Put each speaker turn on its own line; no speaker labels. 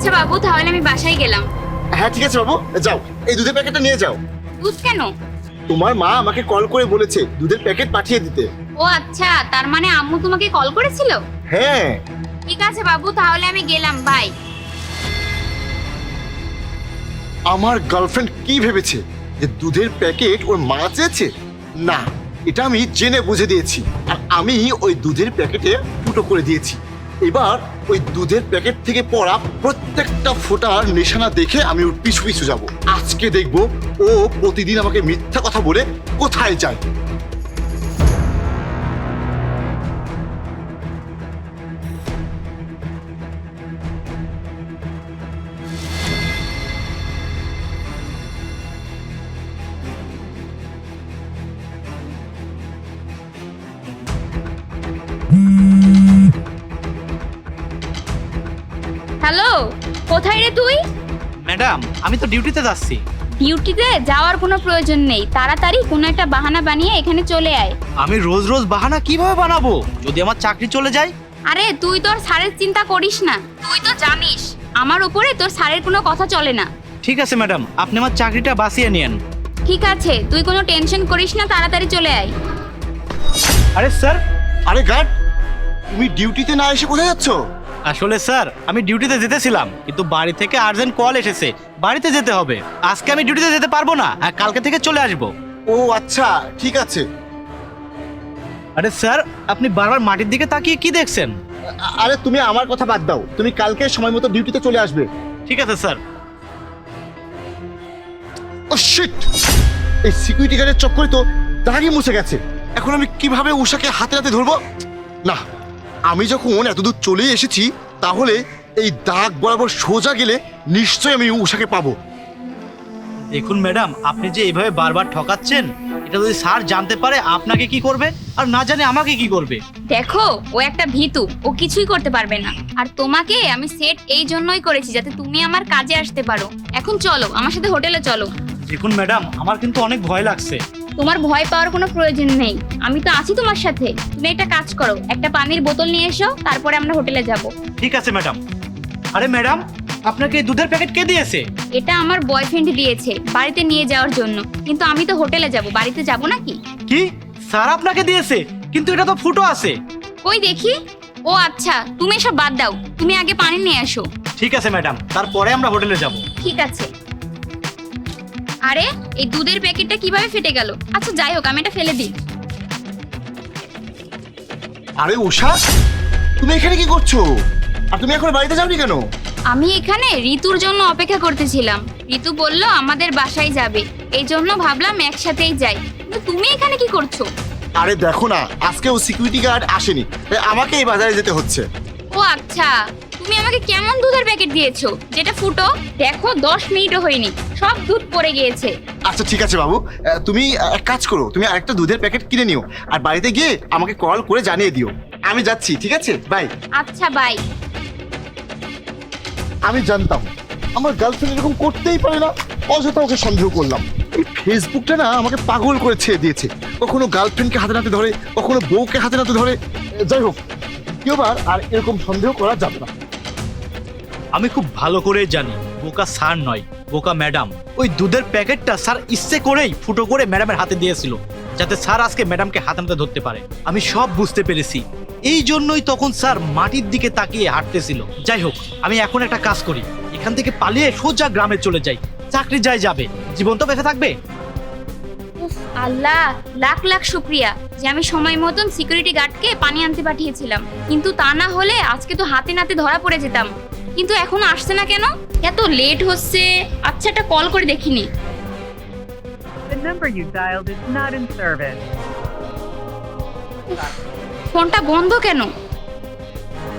আচ্ছা বাবু, তাহলে আমি বাসায় গেলাম।
হ্যাঁ ঠিক আছে বাবু, যাও এই দুধের প্যাকেটটা নিয়ে যাও।
দুধ কেন?
তোমার মা আমাকে কল করে বলেছে দুধের প্যাকেট পাঠিয়ে দিতে।
ও আচ্ছা, তার মানে আম্মু তোমাকে কল করেছিল?
হ্যাঁ।
ঠিক আছে বাবু, তাহলে আমি গেলাম, বাই।
আমার গার্লফ্রেন্ড কি ভেবেছে যে দুধের প্যাকেট ওর মা চেয়েছে? না, এটা আমি জেনে বুঝে দিয়েছি, আর আমি ওই দুধের প্যাকেটে ফুটো করে দিয়েছি। এবার ওই দুধের প্যাকেট থেকে পড়া প্রত্যেকটা ফোঁটার নিশানা দেখে আমি ওর পিছু পিছু যাব। আজকে দেখব ও প্রতিদিন আমাকে মিথ্যা কথা বলে কোথায় যায়।
হ্যালো, কোথায় রে তুই?
ম্যাডাম, আমি তো ডিউটিতে যাচ্ছি।
ডিউটিতে যাওয়ার কোনো প্রয়োজন নেই, তাড়াতাড়ি কোনো একটা বাহানা বানিয়ে এখানে চলে আয়।
আমি রোজ রোজ বাহানা কিভাবে বানাবো যদি আমার চাকরি চলে যায়?
আরে তুই তোর স্যারের চিন্তা করিস না, তুই তো জানিস আমার উপরে তোর স্যারের কোনো কথা চলে না।
ঠিক আছে ম্যাডাম, আপনি আমার চাকরিটা বাঁচিয়ে নিয়েন।
ঠিক আছে, তুই কোনো টেনশন করিস না, তাড়াতাড়ি চলে আয়।
আরে স্যার।
আরে গার্ড, তুমি ডিউটিতে না এসে কোথায় যাচ্ছ?
আসলে স্যার, আমি ডিউটিতে যেতেছিলাম, কিন্তু বাড়ি থেকে আর্জেন্ট কল এসেছে, বাড়িতে যেতে হবে। আজকে আমি ডিউটিতে যেতে পারবো না, আর কালকে থেকে চলে আসবো।
ও আচ্ছা, ঠিক আছে।
আরে স্যার, আপনি বারবার মাটির দিকে তাকিয়ে কি দেখছেন?
আরে তুমি আমার কথা বাদ দাও, তুমি কালকে সময় মতো ডিউটিতে চলে আসবে।
ঠিক আছে স্যার।
ও শিট, এই সিকিউরিটি গার্ডের চক্করে তো দাগই মুছে গেছে। এখন আমি কিভাবে উষাকে হাতে হাতে ধরবো? না, আমি যখন এতদূর চলে এসেছি তাহলে এই দাগ বরাবর সোজা গেলে নিশ্চয়ই আমি উষাকে পাবো।
দেখুন ম্যাডাম, আপনি যে এইভাবে বারবার ঠকাচ্ছেন, এটা যদি স্যার জানতে পারে আপনাকে কি করবে, আর না জানে আমাকে কি করবে।
দেখো, ও একটা ভীতু, ও কিছুই করতে পারবে না। আর তোমাকে আমি সেট এই জন্যই করেছি যাতে তুমি আমার কাজে আসতে পারো। এখন চলো আমার সাথে হোটেলে চলো।
দেখুন ম্যাডাম, আমার কিন্তু অনেক ভয় লাগছে।
তোমার ভয় পাওয়ার কোনো প্রয়োজন নেই, আমি তো আছি তোমার সাথে। তুমি একটা কাজ করো, একটা পানির বোতল নিয়ে এসো, তারপরে আমরা হোটেলে যাব।
ঠিক আছে ম্যাডাম। আরে ম্যাডাম, আপনাকে এই দুধের প্যাকেট কে দিয়েছে?
এটা আমার বয়ফ্রেন্ড দিয়েছে বাড়িতে নিয়ে যাওয়ার জন্য, কিন্তু আমি তো হোটেলে যাব, বাড়িতে যাব নাকি?
কি, স্যার আপনাকে দিয়েছে? কিন্তু এটা তো ফুটো আছে।
কই দেখি। ও আচ্ছা, তুমি এসব বাদ দাও, তুমি আগে পানি নিয়ে এসো।
ঠিক আছে ম্যাডাম, তারপরে আমরা হোটেলে যাব।
ঠিক আছে। আরে এই দুধের প্যাকেটটা কিভাবে ফেটে গেল? আচ্ছা যাই হোক, আমি এটা ফেলে দিই।
আরে উষা, তুমি এখানে কি করছো? আর তুমি এখন বাড়িতে যাওনি কেন?
আমি এখানে ঋতুর জন্য অপেক্ষা করতেছিলাম। ঋতু বলল আমাদের বাসায় যাবে, এই জন্য ভাবলাম একসাথেই যাই। কিন্তু তুমি এখানে কি করছো?
আরে দেখো না, আজকে ও সিকিউরিটি গার্ড আসেনি, তাই আমাকে এই বাজারে যেতে হচ্ছে।
ও আচ্ছা, তুমি আমাকে কেমন দুধের প্যাকেট দিয়েছো যেটা ফুটো? দেখো 10 মিনিটও হয়নি, সব দুধ পড়ে গিয়েছে।
আচ্ছা ঠিক আছে বাবু, তুমি এক কাজ করো, তুমি আরেকটা দুধের প্যাকেট কিনে নিও, আর বাড়িতে গিয়ে আমাকে কল করে জানিয়ে দিও। আমি যাচ্ছি, ঠিক আছে, বাই।
আচ্ছা বাই।
আমি জানতাম আমার গার্লফ্রেন্ড এরকম করতেই পারে না, অযথা ওকে সন্দেহ করলাম। এই ফেসবুকটা না আমাকে পাগল করে ছেড়ে দিয়েছে, কখনো গার্লফ্রেন্ডকে হাতে নাতে ধরে, কখনো বউকে হাতে নাতে ধরে। যাই হোক, কেউবার আর এরকম সন্দেহ করা যাবে না।
আমি খুব ভালো করে জানি বোকা স্যার নয়, বোকা ম্যাডাম। ওই দুধের প্যাকেটটা স্যার ইচ্ছে করেই ফুটো করে ম্যাডামের হাতে দিয়েছিল, যাতে স্যার আজকে ম্যাডামকে হাতে নাতে ধরতে পারে। আমি সব বুঝতে পেরেছি, এই জন্যই তখন স্যার মাটির দিকে তাকিয়ে হাঁটতেছিল। যাই হোক, আমি এখন একটা কাজ করি, এখান থেকে পালিয়ে সোজা গ্রামে চলে যাই। চাকরি যাই যাবে, জীবন তো বেঁচে থাকবে।
উফ, আল্লাহ লাখ লাখ শুক্রিয়া যে আমি সময় মতন সিকিউরিটি গার্ডকে পানি আনতে পাঠিয়েছিলাম, কিন্তু তা না হলে আজকে তো হাতে নাতে ধরা পড়ে যেতাম। কিন্তু এখনো আসছে না কেন? এত লেট হচ্ছে। আচ্ছা একটা কল করে দেখিনি।
The number you dialed is not in service.
ফোনটা বন্ধ কেন?